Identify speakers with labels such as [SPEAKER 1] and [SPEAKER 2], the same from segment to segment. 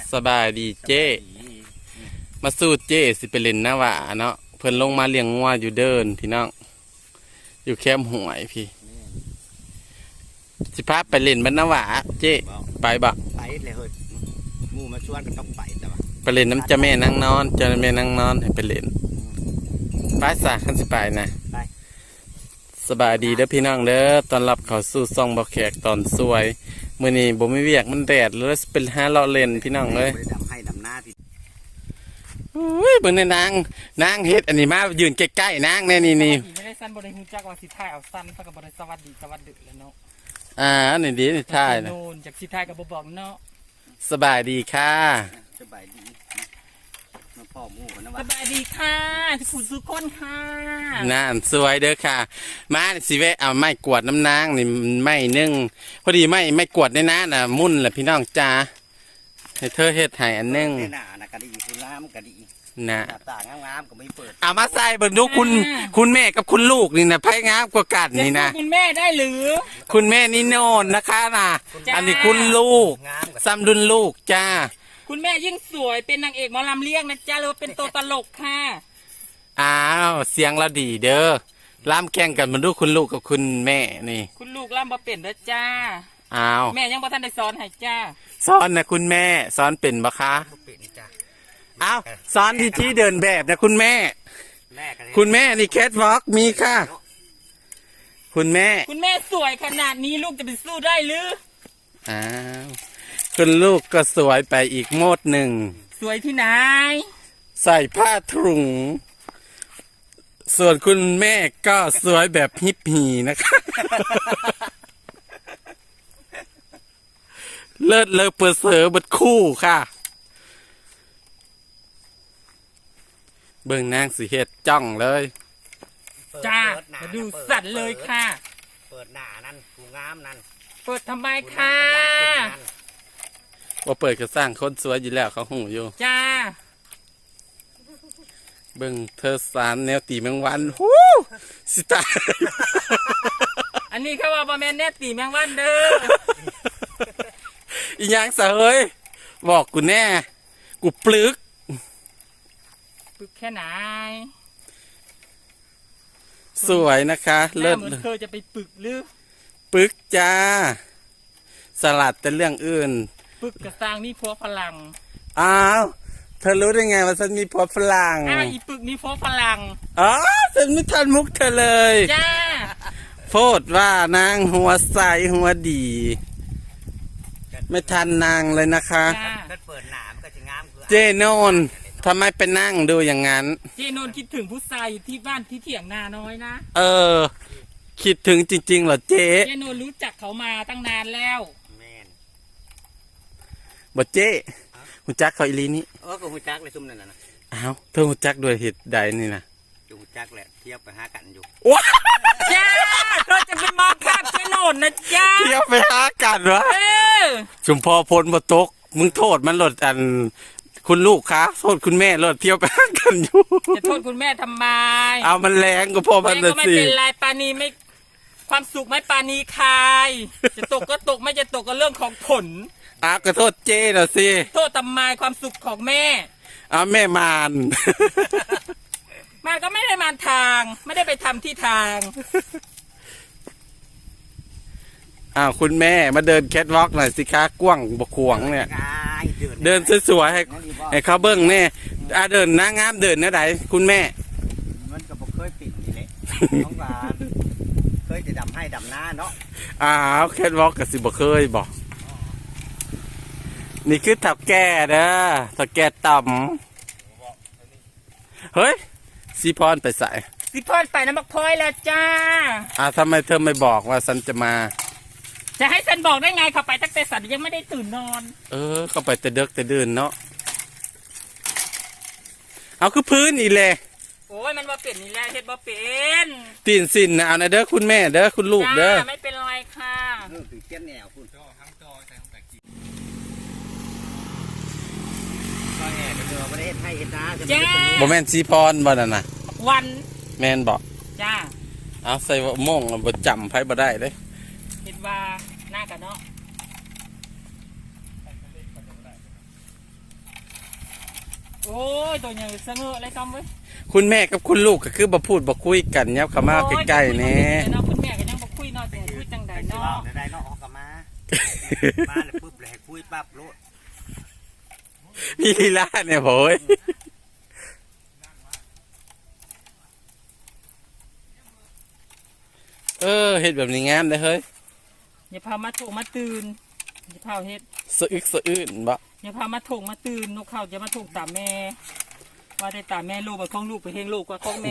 [SPEAKER 1] สบายดีเจ้มาสู้เจ้สิไปเล่นหน้าหวาเนาะเพิ่นลงมาเลี้ยงงัวอยู่เดินพี่น้องอยู่แคมป์หวยพี่สิพาไปเล่นบ้านหน้าหวาเจ้ไปบ่
[SPEAKER 2] ไปเลยเฮ้ยมูมาชวนก็ต้องไปแต่ว่า
[SPEAKER 1] ไปเล่นน้ำจะแม่นั่งนอนจะแม่นั่งนอนให้ไปเล่นไปสาขันสิไปนะสบายดีเด้อพี่น้องเด้อตอนรับเขาสู่ซ่องบ่แขกตอนสวยมื้อนี้บ่มีเวียกมันแดดเลยเป็นหาเลาะเล่นพี่น้องเอ้ย
[SPEAKER 2] ดำให้ดำหน้าพี่
[SPEAKER 1] อุ้ยเบิ่งในนางเฮ็ดอันนี้มายืนใกล้ๆนางแน่นี่
[SPEAKER 3] ไม่ได้สั้นบ่ได้ฮู้จักว่าสิถ่ายเอาสั้นเท่ากับบ่ได้สวัสดีแล้วเนาะ
[SPEAKER 1] นี่ดีนี่ถ่ายนะ
[SPEAKER 3] โน่นจากสิถ่ายกับบ่บอกเนาะ
[SPEAKER 1] สบายดีค่ะ
[SPEAKER 2] สบายดีมาพ่อมูนะ
[SPEAKER 3] ว่าสบายดีค่ะทุกคนค่ะ
[SPEAKER 1] น่าสวยเด้อค่ะมาสิเวะเอาไม้กวาดน้ำนางนี่ไม้นึ่งพอดีไม่กวาดในน้าน่ะมุ่นแหละพี่น้องจ้าให้เธอเฮ็ดให้อันนึง
[SPEAKER 2] หน้านะกะดีคุณน้ำกะดี
[SPEAKER 1] นะ
[SPEAKER 2] ต่างงามๆก็ไม่เปิด
[SPEAKER 1] เอามาใส่เบิ่งดูคุณแม่กับคุณลูกนี่นะไผงามกว่ากันนี่นะ
[SPEAKER 3] คุณแม่ได้หรือ
[SPEAKER 1] คุณแม่นี่โน่นนะคะน่ะอันนี้คุณลูกซ้ำดุนลูกจ้า
[SPEAKER 3] คุณแม่ยิ่งสวยเป็นนางเอกหมอลำเลี้ยงนะจ้าหรือว่าเป็นตัวตลกค่ะ
[SPEAKER 1] อ้าวเสียงเราดีเด้อล้ำแข่งกันมาดูคุณลูกกับคุณแม่นี่
[SPEAKER 3] คุณลูกล่ำบ่เป็นเด้อจ้า
[SPEAKER 1] อ้าว
[SPEAKER 3] แม่ยังบ่ทันได้สอนให้จ้า
[SPEAKER 1] สอนนะคุณแม่สอนเป็นบ่คะอ้าวสอนที่เดินแบบนะคุณแม่คุณแม่นี่แคทวอล์กมีค่ะคุณแม่
[SPEAKER 3] สวยขนาดนี้ลูกจะไปสู้ได้หรือ
[SPEAKER 1] อ้าวคุณลูกก็สวยไปอีกโมดหนึ่ง
[SPEAKER 3] สวยที่ไหน
[SPEAKER 1] ใส่ผ้าถุงส่วนคุณแม่ก็สวยแบบฮิปปี้นะคะเลิศเลอเปิดเสือบัดคู่ค่ะเบิ่งนางสีเฮ็ดจ้องเลย
[SPEAKER 3] จ้ามาดูสัตว์เลยค่ะ
[SPEAKER 2] เปิดหน้านั่นกูงามนั่น
[SPEAKER 3] เปิดทำไมค่ะ
[SPEAKER 1] ว่าเปิดก็สร้างคนสวยอยู่แล้วเขาหูอยู่
[SPEAKER 3] จ้า
[SPEAKER 1] เบิ่งเธอสารแนวตีแมงวันฮู้สิตาย
[SPEAKER 3] อันนี้เขาว่าบ่แม่นแนวตีแมงวันเด้อ
[SPEAKER 1] อีหยังซะเฮ้ยบอกกูแน่กูปลึก
[SPEAKER 3] แค่ไหน
[SPEAKER 1] สวยนะคะ
[SPEAKER 3] เลิศเหมือนเธอจะไปปึกหรือ
[SPEAKER 1] ปึกจ้าสลัดแต่เรื่องอื่น
[SPEAKER 3] ปึกกระซังนี่พัวฝรั่ง
[SPEAKER 1] อ้าวเธอรู้ได้ไงว่าฉันมีพัวฝรั่ง
[SPEAKER 3] อีปึกนี่พัวฝรั่ง
[SPEAKER 1] อ๋อฉันไม่ทันมุกเธอเลย
[SPEAKER 3] จ้า
[SPEAKER 1] โพดว่านางหัวใสหัวดีไม่ทันนางเลยนะคะเจโนนทำไมไปนั่งดูอย่างนั้น
[SPEAKER 3] เจโนนคิดถึงผู้ชายอยู่ที่บ้านที่เถียงนาน้อยนะ
[SPEAKER 1] คิดถึงจริงๆเหรอเจ
[SPEAKER 3] โนนรู้จักเขามาตั้งนานแล้ว
[SPEAKER 1] บ่เจ๊หูจักเขาอีลีนี่
[SPEAKER 2] ก็หูจักเลยซุ่มนั่นนะ
[SPEAKER 1] อ้าวเธอหูจักด้วยเหตุใดนี่นะ
[SPEAKER 2] หูจักแหละเทียบไปหากันอยู่
[SPEAKER 1] ว้า
[SPEAKER 3] จ้าเธอจะไปมองข้ามเจโนนนะจ้า
[SPEAKER 1] เทียบไปหากันวะชุมพอพลบ่ตกมึงโทษมันหลดอันคุณลูกคะโทษคุณแม่รถเที่ยวไปหากันอยู่
[SPEAKER 3] จะโทษคุณแม่ทำไม
[SPEAKER 1] เอามันแรงก็พอมันเลยสิ
[SPEAKER 3] ไม่เป็นไรปานีไม่ความสุขไม่ปานีคายจะตกก็ตกไม่จะตกก็เรื่องของผล
[SPEAKER 1] ก็โทษเจ้น่ะสิ
[SPEAKER 3] โทษทำไมความสุขของแม่
[SPEAKER 1] แม่มาน
[SPEAKER 3] ก็ไม่ได้มาทางไม่ได้ไปทำที่ทาง
[SPEAKER 1] คุณแม่มาเดินแคทวอล์กหน่อยสิคะกว้างบกขวงเนี่ยเดินสวยๆให้เขาเบิ้งแน่เดินน้างามเดินนะไหนคุณแม่
[SPEAKER 2] มันก็บอกเคยปิดนี่แหละน้องหลานเคยจะดำให้ดำหน้าเนาะ
[SPEAKER 1] แคทวอล์กกับสิบ่เคยบอกนี่คือถับแก่เด้อถับแก่ต่ำเฮ้ยซีพรไปใส่
[SPEAKER 3] ซีพรไปน้ำมักพลอยแล้วจ้า
[SPEAKER 1] ทำไมเธอไม่บอกว่าฉันจะมา
[SPEAKER 3] จะให้ฉันบอกได้ไงเขาไปตั้งแต่สัตว์ยังไม่ได้ตื่นนอน
[SPEAKER 1] เขาไปแต่เด็กแต่เดินเนาะเอาคือพื้นอีเลย
[SPEAKER 3] โอ้ยมันบ่เป็นนี่แหละเฮ็ดบ่เป็น
[SPEAKER 1] ตีนสินนะเอานะเด้อคุณแม่เด้อคุณลูกเด้อ
[SPEAKER 3] ไม่เป็นไรค่ะ
[SPEAKER 2] ถือเทียนแนวคุณทั้งจอใส่ทั้งตะกี้ก็แห่เดี๋ยวไม่ได้ให้เห็นนะ
[SPEAKER 3] จ้า
[SPEAKER 1] บ่แม่นซีพรบ่นั่นน่ะ
[SPEAKER 3] วัน
[SPEAKER 1] แม่นบอก
[SPEAKER 3] จ้า
[SPEAKER 1] เอาใส่โม่งบ่จำไผบ่ได้เลย
[SPEAKER 3] คิดว่าหน้ากันเนาะโอ้ยตัวใหญ่เสงออะไรต้อมเว้ย
[SPEAKER 1] คุณแม่กับคุณลูกก็คือบ่พูดบ่คุยกันยับเข้ามาใกล้ๆแหน่
[SPEAKER 3] เนาะคุณแม่ก็ยังบ่คุยเนาะแต่คุยจังใด
[SPEAKER 2] แต่ที่
[SPEAKER 3] เนาะ
[SPEAKER 2] ว่าได้เนาะออกกลับมามาเลยปุ๊บเลยให้คุยปั๊บรู้
[SPEAKER 1] พี่ลีลาเนี่ยโผยเฮ็ดแบบนี้งามเลยเฮ้ย
[SPEAKER 3] อย่าพามาถูกมาตื่นอย่าพาเฮ็ด
[SPEAKER 1] สะอึกสะอื้นบ่
[SPEAKER 3] อย่าพามาถูกมาตื่นนกเขาจะมาถูกตามแม่ว่าได้ตามแม่ลูกไปของลูกไปเฮงลูกกว่าของแม่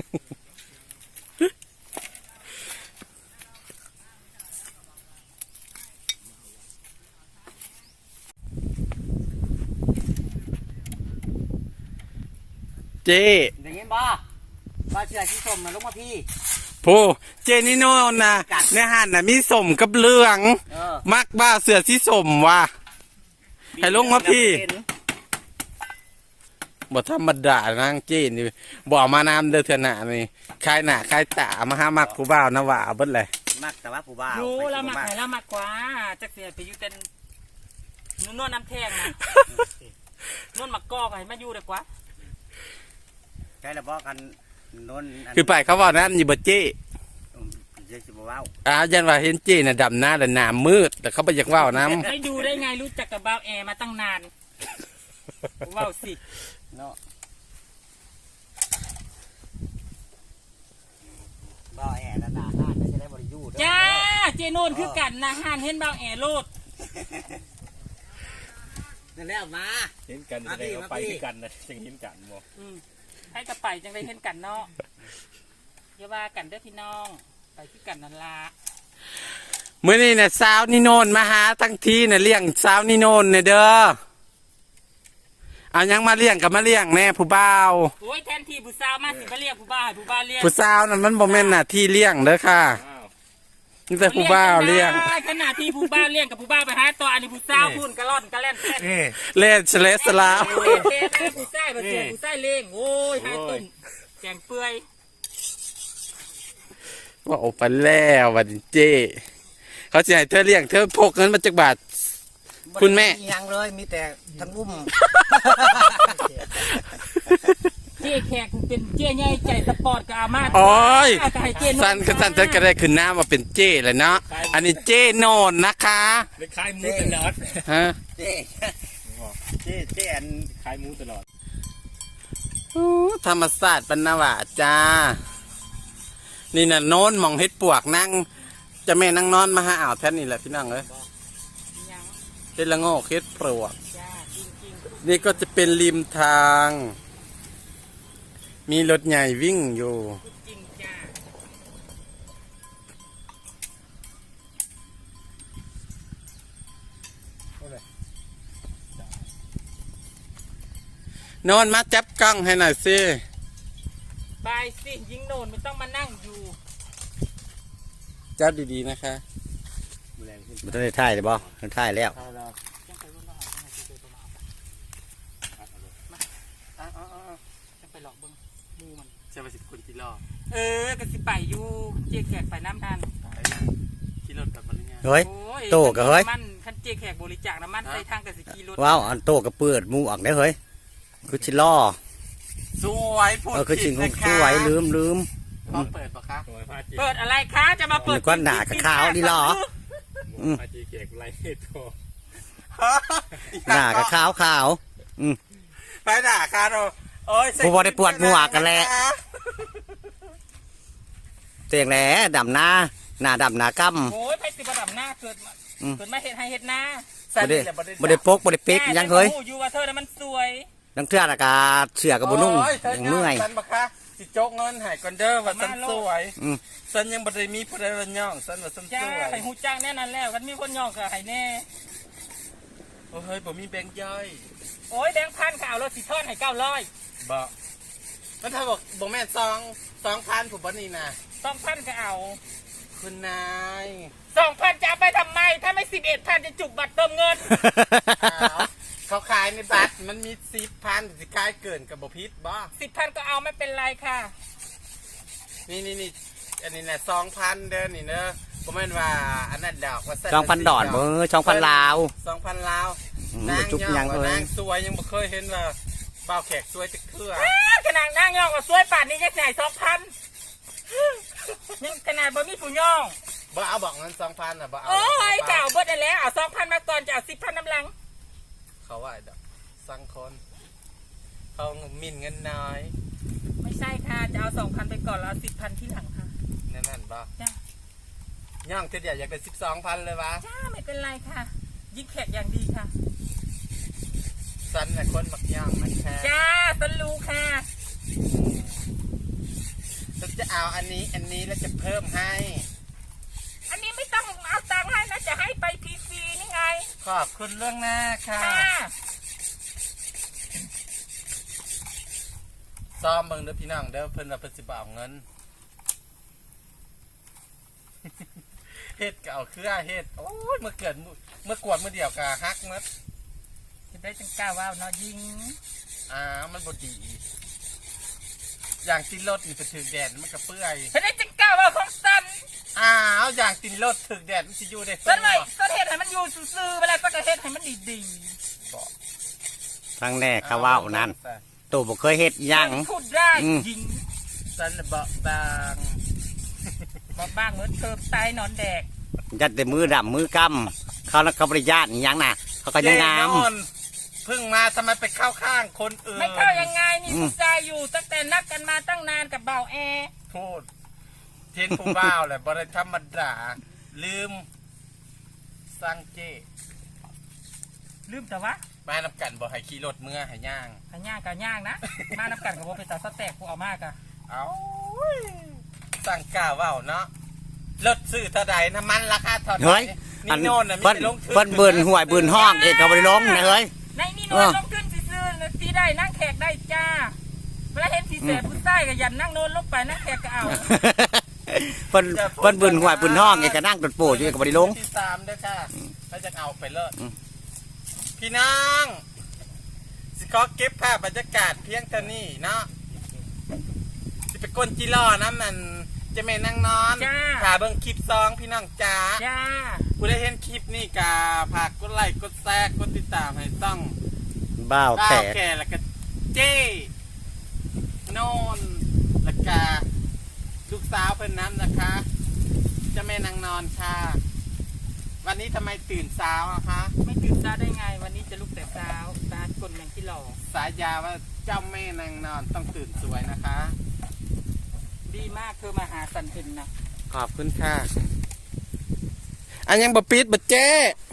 [SPEAKER 1] เจ
[SPEAKER 2] ได้ยินบ่ว่าเชื่อที่ชมนะลูกมาพี่
[SPEAKER 1] โพเจนี่โน่นนะในหันน่ะมีสมกับเหลือง มักบ้าเสือสีสมว่ะให้ลงมาพี่บ่ธรรมดานางเจนี่บ่เอามานำเด้อเถอะนะนี่คายหน้าคายตามาหามักผู้บ่าวนะว่าเบิดเลย
[SPEAKER 2] มักแต่ว่าผู้บ่าว
[SPEAKER 3] รู้แล้วมักไหนแล้วมักกว่าจักเสียไปอยู่เป็นนวดน้ำแทงนะนวดมักกอกให้มาอยู่ดีกว่า
[SPEAKER 2] ใช่แล้วบอกกันนน
[SPEAKER 1] คือไปเขาว่านั้นอยู่บ่เจ
[SPEAKER 2] เจ๊สิบ่ว้าว
[SPEAKER 1] ยันว่าเห็นเจน่ะดำหน้าแต่หน้ามืดแต่เขาบ่อยากเว้านํ
[SPEAKER 3] ไม่ดูได้ไงรู้จักกับบ่าวแอร์มาตั้งนานว้าวสิ
[SPEAKER 2] เนาะบ่าวแอนด่าห้านไม่ใช่ได้บริยูเด้อ
[SPEAKER 3] จ้าเจโนนคือกันนะห่านเห็นบ่าวแอร์โลด
[SPEAKER 2] นั่นแล้วมา
[SPEAKER 4] เห็นกันจะได้เอาไปที่กันนะจังเห็นกันบ่
[SPEAKER 3] ให้กระไปจังได้เห็นกันเนาะอย่าว่ากันเด้อพี่น้องไปที่กันนั่นละ
[SPEAKER 1] มื้อนี้น่ะสาวนี่โนนมาหาทั้งทีน่ะเลี้ยงสาวนี่โนนเนี่ยเด้อเอายังมาเลี้ยงกับมาเลี้ยงแน่ผู้บ่าว
[SPEAKER 3] โอ้ยแทนที่ผู้สาวมาสิมาเรียกผู้บ่าวให้ผู้บ่าวเรียก
[SPEAKER 1] ผู้สาวนั่นมันบ่แม่นหน้าที่เลี้ยงเด้อค่ะ
[SPEAKER 4] อ้าว
[SPEAKER 1] นี่แต่ผู้บ่าวเลี้ยง
[SPEAKER 3] ได้ขนาดที่ผู้บ่าวเลี้ยงกับผู้บ่าวไปหาตัวอันนี้ผู้สาวพูนกระล่อนกระแล่นแท้
[SPEAKER 1] เล่นเฉลสลาว
[SPEAKER 3] เท่แม่ผู้ชายมาเสียผู้ชายเลี้ยงโอ้ยหาตุ่มแกงเปื่อย
[SPEAKER 1] ว่าออกไปแล้ววันนี้เจ เขาจะให้เธอเลี้ยงเธอพกเงินมาจากบาท คุณแม่
[SPEAKER 2] ยังเลยมีแต่ทั้งอุ้ม
[SPEAKER 3] เจ๊แขกเป็นเจ๊ใหญ่ใจสปอร์ตกับอามา
[SPEAKER 1] โอ้ย
[SPEAKER 3] ก็ให้เจ๊น
[SPEAKER 1] สั้นก็สั้นฉันก็ได้ขึ้นหน้ามาเป็นเจเลยเนาะ อันนี้เจโนนนะคะ
[SPEAKER 4] ได้ขายหมูตลอด
[SPEAKER 1] ฮะ
[SPEAKER 2] เจ๊เจ๊อัน
[SPEAKER 4] ขายหมูตลอด
[SPEAKER 1] อู้ธรรมศาสตร์ปนาวาจ้า นี่น่ะโน้นมองเฮ็ดปวกนั่ง จะแม่นั่งนอนมาหาอ่าวแท่นนี่แหละพี่น้องเอ้ย
[SPEAKER 3] ยัง
[SPEAKER 1] เฮ็ดละโงกเฮ็ดปลวก
[SPEAKER 3] จ้าจริง
[SPEAKER 1] นี่ก็จะเป็นริมทาง มีรถใหญ่วิ่งอยู่
[SPEAKER 3] ๆจริงจ้า
[SPEAKER 1] โนอนมาจับกล้องให้หน่อยสิ
[SPEAKER 3] บายสิยิงโนนไม่ต้องมานั่งอยู่
[SPEAKER 1] จับดีๆนะคะ
[SPEAKER 2] มันต้องได้ถ่ายเลยบ่ถ่ายแล้ว
[SPEAKER 3] จังไปรุ่นรอบให้เจ๊ตัวมาจังไปหลอกเบิ้งมูมัน
[SPEAKER 1] จะไปสิบคนที่รอ
[SPEAKER 3] ก็สิไปอยู่เจ๊แขกไปน้ำทัน
[SPEAKER 1] ที่รถกับมันเนี่ย
[SPEAKER 2] เฮ้ย
[SPEAKER 3] โอ้ย
[SPEAKER 2] โตกับเฮ้ย
[SPEAKER 3] มันคันเจ๊แขกบริจาคน้ำมันใส่ทางกับสิกีรถ
[SPEAKER 2] ว้าวอันโตกับเปิดหมูออกได้เฮ้ยคือชิล่อ
[SPEAKER 1] สวยพูด
[SPEAKER 2] คือ
[SPEAKER 1] ผิ
[SPEAKER 2] ชิ
[SPEAKER 1] ด
[SPEAKER 2] ง
[SPEAKER 1] นะคะ
[SPEAKER 2] ช่วยลืม
[SPEAKER 1] พร้อมเปิดปะคะ
[SPEAKER 4] ตัวพาจี
[SPEAKER 3] เปิดอะไรคะจะมาเปิด
[SPEAKER 2] นึกว่าหนากับขาวนี่หรอ
[SPEAKER 4] พาจีเกกไรตัว
[SPEAKER 2] หน้ากับขาว
[SPEAKER 1] ไปด่าค่ะเราโอ้ย
[SPEAKER 2] ผู้บ่ได้ปวดหมวกกันแหละ เตียงแหล่ดำหน้าหน้าดำหน้ากำ
[SPEAKER 3] โอ้ยไปสิบดับหน้าเกิดมาเห็ดให้เห็ดหน้า
[SPEAKER 2] บ่ได้บ่ได้ปกบ่ได้ปิกยังเฮ้ย
[SPEAKER 3] อยู่ว่าเธอน่ะมันสวย
[SPEAKER 2] นังเทื่อละกาเสือกับบ่นุ่ง
[SPEAKER 1] โอ้ย
[SPEAKER 2] ยังเมื่อย
[SPEAKER 1] สันปะคะสิโจกเงินใหายก่อนเด้อว่าสันสวย
[SPEAKER 2] อืม
[SPEAKER 1] สันยังบ่ได้มีผู้ใดมาย่องสันว่าสันส
[SPEAKER 3] จ้า
[SPEAKER 1] วย
[SPEAKER 3] ให้หูจ้างแน่นอนแล้วกันมีคนย่องกับให้แน่
[SPEAKER 1] โอ้เฮ้ยผมมีแบงค์ย่อย
[SPEAKER 3] โอ้ยแบงค์พันข่าวรถสิทอนให้900
[SPEAKER 1] บอกมันถ้าบอกแม่2,000ผมบ่นี่นะ
[SPEAKER 3] 2,000ก็เอา
[SPEAKER 1] คุณนาย
[SPEAKER 3] 2,000จะเอาไปทำไมถ้าไม่11,000จะจุกบัตรเติมเงิน
[SPEAKER 1] อ้าวเขาขายในบัตรมันมี10,000สิขายเกินกับบพิษบ่
[SPEAKER 3] 10,000ก็เอาไม่เป็นไรค่ะ
[SPEAKER 1] นี่อันนี้นะ2,000เด้อนี่เนอะผมแม่นว่าอันนั้นดอกว่าเส้น
[SPEAKER 2] 2,000ดอด2,000ลาว
[SPEAKER 1] 2,000ลาว
[SPEAKER 2] อืม
[SPEAKER 1] นาง
[SPEAKER 2] จุ๊บยัง
[SPEAKER 1] ว่า
[SPEAKER 2] เลย
[SPEAKER 1] นางสวยยังบ่เคยเห็นว่าบ่าวแขกสวยจะเครือ
[SPEAKER 3] ขนาดนั่งย่องก็สวยป่านนี้ยังใส่2,000ยังขนาดบ่มีผู้ย่อง
[SPEAKER 1] บ่เอาบอกเงิน2,000น่ะบ่เอา
[SPEAKER 3] โอ้ยเก่าเบิดได้แล้วเอา2,000มาก่อนจะเอา10,000น้ำหลัง
[SPEAKER 1] เขาว่าดอกสังคนเขาหมิ่นเงินน้อย
[SPEAKER 3] ไม่ใช่ค่ะจะเอา2,000ไปก่อนแล้วเอา10,000ที่หลังค่ะ
[SPEAKER 1] นั่นบ่
[SPEAKER 3] จ้า
[SPEAKER 1] ย่างเทีเดียวอยากได้12,000เลยวะ
[SPEAKER 3] จ้าไม่เป็นไรค่ะ ยิ่งแขกอย่างดีค่ะ
[SPEAKER 1] สันน่ะคนมักย่างมันแค่
[SPEAKER 3] จ้าต้นรู้ค่ะ
[SPEAKER 1] ฉันจะเอาอันนี้แล้วจะเพิ่มให้
[SPEAKER 3] อันนี้ไม่ต้องเอาตังค์ให้นะจะให้ไปฟรีๆนี่ไง
[SPEAKER 1] ขอบคุณเรื่องหน้าค่ะ
[SPEAKER 3] ค่ะ
[SPEAKER 1] ซ้อมเบิ่งเด้อพี่น้องเด้อเพิ่นว่าเพิ่นสิบ่เอาเงิน เฮ็ดก็เอาเครือเฮ็ดโอ้ยเมื่อกวดเมื่อเดียวก็ฮักหมด
[SPEAKER 3] จะได้จังกล้าว่าวเนาะยิง
[SPEAKER 1] มันบ่ดี อย่างตินรถนี่ไปถึงแดดมันก็เปื่อย
[SPEAKER 3] จะได้จังกล้าว่าวของสัน
[SPEAKER 1] อย่างตินรถถึงแดดมันสิอยู่ได้
[SPEAKER 3] สันไว้สันเฮ็ดให้มันอยู่ซื่อๆเวลาสักเฮ็ดให้มันดี
[SPEAKER 2] ครั้งแรกเขาว่าวนั่นตู่บ่เคยเฮ็ด
[SPEAKER 3] ๆ
[SPEAKER 2] อิหยัง
[SPEAKER 3] พูดได้ยิง
[SPEAKER 1] สันน่ะเบาบาง
[SPEAKER 3] บ้างเหมือนเติมตายนอนแดก
[SPEAKER 2] ยัดแต่มือดำมือกำเขาแล้วเขาบริญาตอิหยังน่ะเขาก็ยังงาม
[SPEAKER 1] แน่นอนเพิ่งมาทำไมไปเข้าข้างคนอื่น
[SPEAKER 3] ไม่เข้ายังไงนี่ผู้ชายอยู่ตั้งแต่นัดกันมาตั้งนานกับเบาแอ
[SPEAKER 1] พูดเทนผู้บ่าวแหละบริธรรมดาลืมสังเจ
[SPEAKER 3] ลืมแต่ว่า
[SPEAKER 1] มานำกันบ่ให้ขี่รถเมื่อให้ย่าง
[SPEAKER 3] หายากกับยากนะ มานับกันกับผมไปตัดสแต็กกูเอามากอะ
[SPEAKER 1] เอาสั่งกล้าว่าวเนาะรถซื้อเท่าใดน้ำมันราคาเท่าไห
[SPEAKER 2] เฮ้
[SPEAKER 1] ร่
[SPEAKER 2] ย
[SPEAKER 1] นี่โน่นน่ะมี
[SPEAKER 2] เพิ่น
[SPEAKER 1] แต่ลงทุน
[SPEAKER 2] เพิ่นเบิ่นห่วยเบิ่นห้องเอกเขาบริลงนะเฮ้ย
[SPEAKER 3] ในนี่นวลลงขึ้นซื้อๆสีได้นั่งแขกได้จ้าเวลาเห็นสีแสบผู้ใต้ก็ยันนั่งโน้นลงไปนั่งแขกก็เอา
[SPEAKER 2] เพิ่นเบิ่นห่วยเบิ่นห้องเอกก็นั่งตดโปอยู่เอกก็บริลง
[SPEAKER 1] ที่3ด้วยค่ะเขาจะเอาไปเลิศ
[SPEAKER 2] อืม
[SPEAKER 1] พี่น้องสิขอเก็บภาพบรรยากาศเพียงเท่านี้เนาะสิไปกลจิล่อน้ำมันจะแม่นั่งนอน
[SPEAKER 3] จ้า
[SPEAKER 1] ถ่าเบิ่งคลิปซองพี่น้องจ้า
[SPEAKER 3] จ้า
[SPEAKER 1] ผู้ได้เห็นคลิปนี่กาฝากกดไลค์กดแชร์กดติดตามให้ต้อง
[SPEAKER 2] บ้าว
[SPEAKER 1] ก้า
[SPEAKER 2] แข
[SPEAKER 1] ว
[SPEAKER 2] ก
[SPEAKER 1] แก่แล้วก็เจ้โนนแล้วก็ลูกสาวเป็นน้ำนะคะเจะแม่นางนอนค่ะ วันนี้ทำไมตื่นเช้าอะคะ
[SPEAKER 3] ไม่ตื่นเช้าได้ไงวันนี้จะลุกแต่เช้าตาคนแมงที่หล่อ
[SPEAKER 1] สายยาว่าเจ้าแม่นางนอนต้องตื่นสวยนะคะ
[SPEAKER 3] ดีมากเธอมาหาสันเพ็ญนะ
[SPEAKER 1] ขอบคุณค่ะ อันยังบะปิดบะเจ้